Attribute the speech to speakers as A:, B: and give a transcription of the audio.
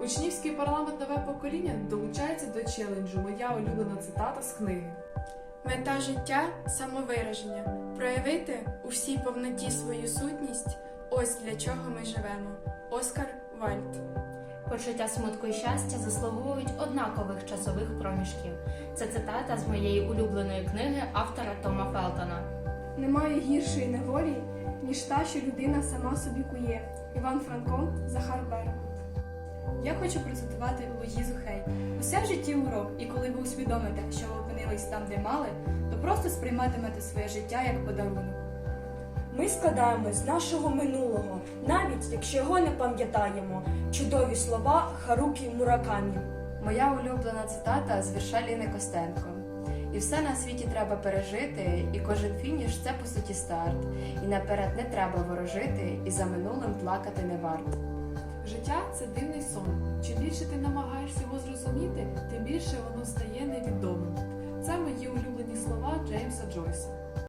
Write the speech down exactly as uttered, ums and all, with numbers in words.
A: Учнівський парламент «Нове покоління» долучається до челенджу «Моя улюблена цитата з книги».
B: Мета життя – самовираження. Проявити у всій повноті свою сутність – ось для чого ми живемо. Оскар Вальд.
C: Почуття смутку і щастя заслуговують однакових часових проміжків. Це цитата з моєї улюбленої книги автора Тома Фелтона.
D: Немає гіршої неволі, ніж та, що людина сама собі кує. Іван Франко, Захар Беркут.
E: Я хочу процитувати Луїзу Хей. Усе в житті урок, і коли ви усвідомите, що ви опинились там, де мали, то просто сприйматимете своє життя як подарунок.
F: Ми складаємо з нашого минулого, навіть якщо його не пам'ятаємо. Чудові слова Харукі Муракамі.
G: Моя улюблена цитата з вірша Ліни Костенко. І все на світі треба пережити, і кожен фініш – це по суті старт. І наперед не треба ворожити, і за минулим плакати не варто.
A: Життя – це дивний сон. Чим більше ти намагаєшся його зрозуміти, тим більше воно стає невідомим. Це мої улюблені слова Джеймса Джойса.